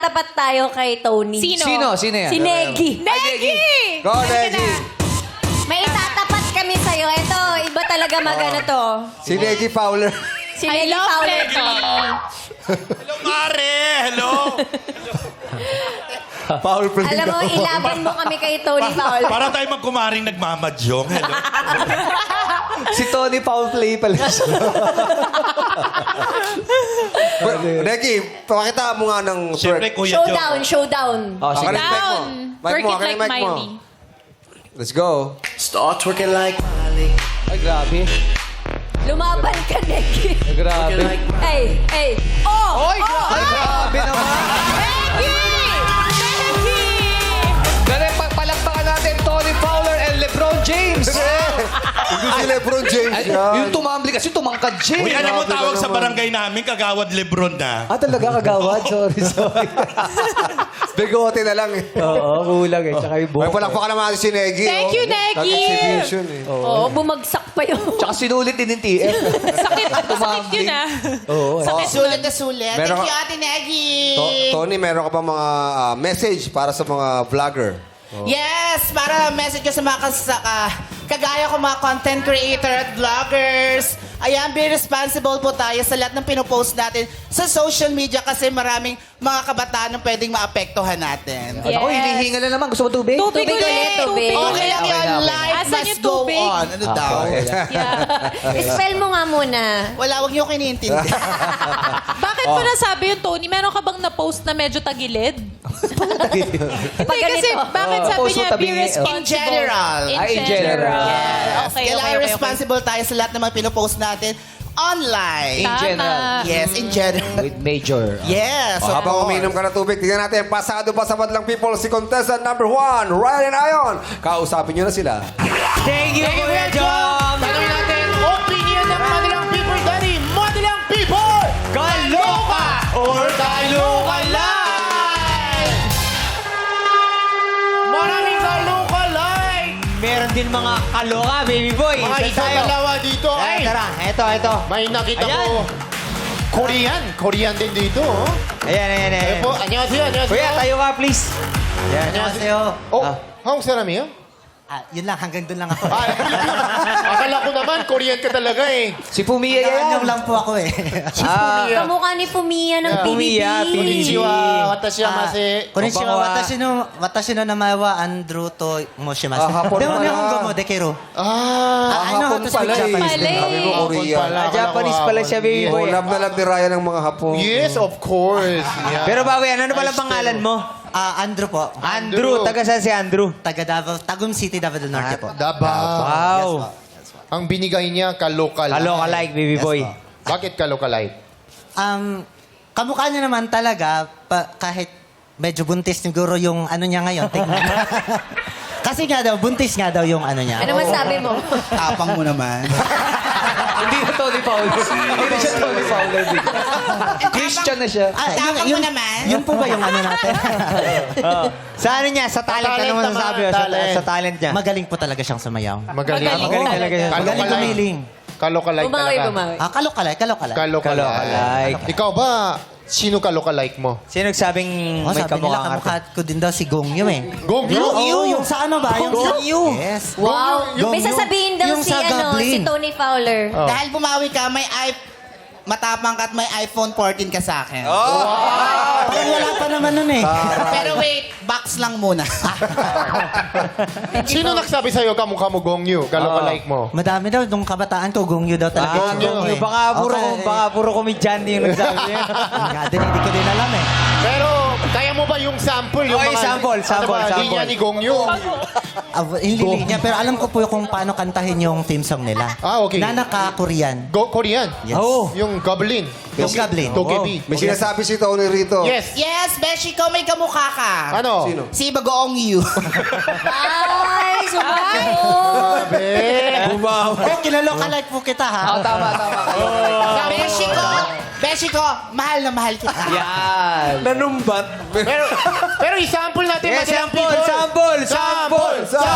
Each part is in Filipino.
Tapat tayo kay Tony. Sino? Sino yan? Si Negi. Negi! Go, Negi! May itatapat kami sa'yo. Ito, iba talaga magano to. Si Negi Fowler. Si Negi Fowler to. Hello, Mare! Hello! Foul play Alam mo, daw. ilaban mo kami kay Tony Fowler. Para tayo magkumaring nagmamadyong. Hello? Si Tony Foul Play pala siya. Negi, pakita mo nga ng Siyempre, twerk. Kuya Showdown, Joe. showdown. Oh, sige. Akin ang mic mo. Mic Work mo, it akin like ang mic mo. Miley. Let's go. Start twerking like Miley. Ay, grabe. Lumaban ka, Negi. Ay, grabe. Hey, hey. Oh! Ay, grabe naman. Dali, palakpakan natin Tony Fowler and LeBron James. Hindi si Lebron James Ay, yan. yung tumambli kasi tumangkad siya. Uy, alam mo Grabe tawag ka sa naman. barangay namin, Kagawad Lebron na. Ah, talaga kagawad? Sorry. Bigote na lang eh. Oo, kulang eh. Tsaka yung May buhok. palakpakan naman natin si Negi. Thank you, Negi. Nag-exhibition eh. Oo, bumagsak pa yun. Tsaka sinulit din yung TF. Sakit yun ah. Oo. Sulit na sulit. Meron Thank you, ka- Ate Negi. Tony, meron ka ba mga message para sa mga vlogger? Yes, para message ko sa mga kagaya ko mga content creator at vloggers. Ayan, be responsible po tayo sa lahat ng pinopost natin sa social media kasi maraming mga kabataan ang pwedeng maapektuhan natin. Yes. Ako, hinihinga na naman. Gusto mo tubig? Tubig Tubig ulit. ulit, tubig. Okay lang Okay yun, lang, okay life lang. Asan must yung go tubig? on. Ano daw? Yeah. Spell mo nga muna. Wala, wag niyo kiniintindi. Bakit mo nasabi yung Tony? Meron ka bang na-post na medyo tagilid? Hindi, kasi ganito. bakit sabi post mo niya tabi be niya, responsible? In general. In general. Yes. Okay, Kailangan okay. responsible tayo sa lahat ng mga pinopost natin online. In Tama. general. Yes, in general. With major. Yes, of Habang course. umiinom ka na tubig, tingnan natin, pasado pa sa Madlang People si contestant number 1, Ryan Ayon. Kausapin nyo na sila. Thank you, Kuya Jom! Tanungin natin, opinion ng Madalang People, Daddy. Madalang People! Kaloka or kaloka live! Maraming kalukalay! Meron din mga kaloka, baby boy. Mga Saan isa tayo? dalawa dito. Ay, Tara, ito. may nakita Ayan. ko. Korean din dito. Oh. Ayan. Ayun po, 안녕하세요. Kuya, tayo ka, please. 안녕하세요. Oh, 한국 사람이에요? Yun lang, hanggang doon lang ako. Akala ko naman, Korean ka talaga eh. Si Pumiya yan. lang po ako eh. Kamukha ni Pumiya ng Pumiya, PBB. Konnichiwa, watashi mase. Konnichiwa, watashi no namae wa Andrew to moshimasu. Hapon Demo pala. nihongo mo dekeru. Ah, I know how Hapon to pala speak eh. Japanese. Pala eh. Sabi mo Korea. pala. Japanese pala siya, baby Oh, boy. love na love ni Ryan ng mga hapon. yes, of course. Yeah. Pero bawi, ano palang pangalan mo? Andrew po. Andrew. Taga saan si Andrew? Taga Davao, Tagum City, Davao del Norte po. Davao. Wow. Ang binigay niya, kalokal. Kaloka like, baby boy. Bakit kalokalike? Kamukha niya naman talaga, kahit medyo buntis siguro yung ano niya ngayon. Tingnan. Kasi nga daw, buntis nga daw yung ano niya. Ano masabi mo? Tapang mo naman. Hindi na Tony Fowler. Hindi na siya Tony Fowler. Christian na siya. Tapang mo naman. Yun po ba yung ano natin? Sa ano niya? Sa talent. talent Ano naman, masasabi mo? talent. Sa talent niya. Magaling po talaga siyang sumayaw. Magaling. Magaling talaga siya. Magaling gumiling. Kalokalike Bumawi, talaga. bumawi. Kalokalay. Kalokalike. Ikaw ba, sino kalokalike mo? Sino nagsabing Oh, may sabi nila, kamukhang kamukha arte? ko din daw si Gong Yu eh. Gong Yu? Oo, yung sa ano ba? Yung Gong Yu. Yes. Wow. Yung- May sasabihin daw yung si, sa ano, Goblin. si Tony Fowler. Oh. Dahil bumawi ka, matapang ka at may iPhone 14 ka sa akin. Parang wala pa naman nun eh. Pero wait, box lang muna. Sino nagsabi sa'yo kamukha mo Gong Yu? Kalokalike mo? Madami daw, nung kabataan ko, Gong Yu daw talaga. Gong Yu. eh. Baka puro komedyante yung nagsabi niya. Nga din, hindi ko din alam eh. Pero, kaya mo ba yung sample? Yung Okay, sample. Ano ba, linya ni Gong Yu? Hindi niya, pero alam ko po kung paano kantahin yung theme song nila. Ah, okay. Na naka-Korean. Korean? Yes. Oo. Yung Goblin? Yung Goblin. Togepi? May sinasabi si Tony rito. Yes. Yes, Beshi ko, may kamukha ka. Ano? Sino? Si Bagoong Yu. Ay, sumagot. Oh, kinalokalike po kita ha. Tama. Beshi ko, mahal na mahal kita. Yan. Nanumbat. Pero i-sample natin. Yes, Madalang sample, people. sample.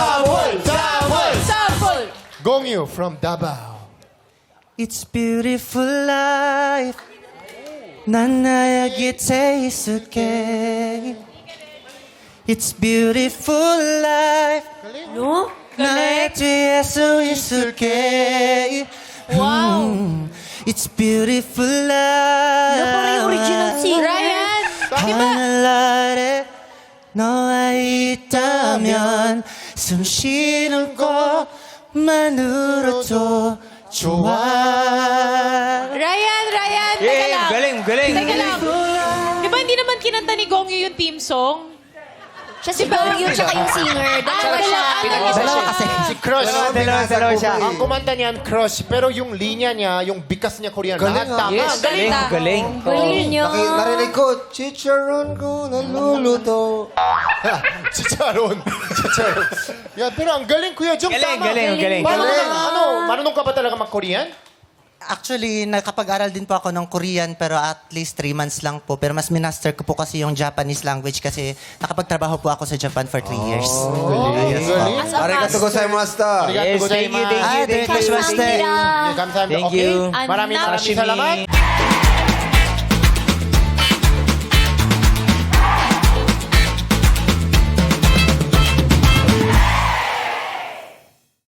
Sample. Gong Yu from Davao. It's beautiful life. 난 나의 곁에 있을게. It's beautiful life. No? 나의 뒤에 서 있을게. It's beautiful life. Parang yung original singer. Ryan! Di ba? 하늘에 너와 있다면 숨 쉬는 것만으로도 좋아. Ryan! Teka Yeah, lang. galing. Teka lang. Di ba hindi naman kinanta ni Gongyo yung team song? Siya si Gongyo, tsaka yung singer. Dalawa siya. Dalawa kasi. Si Crush. Dalawa siya. Ang kumanta niyan, Crush. Pero yung linya niya, yung bikas niya Korean, lahat Galing, tama. Yes, galing. Galing niyo. Narinig ko, chicharon ko naluluto. Si Charon. Yan, pero ang galing, Kuya Jong, tama. Galing. Marunong ka ba talaga mag-Korean? Actually, nakapag-aral din po ako ng Korean pero at least 3 months lang po. Pero mas minaster ko po kasi yung Japanese language kasi nakapagtrabaho po ako sa Japan for 3 years. Galing. Arigato gozaimasu. Yes, thank you. Thank you, Thank you. Thank you. Maraming salamat.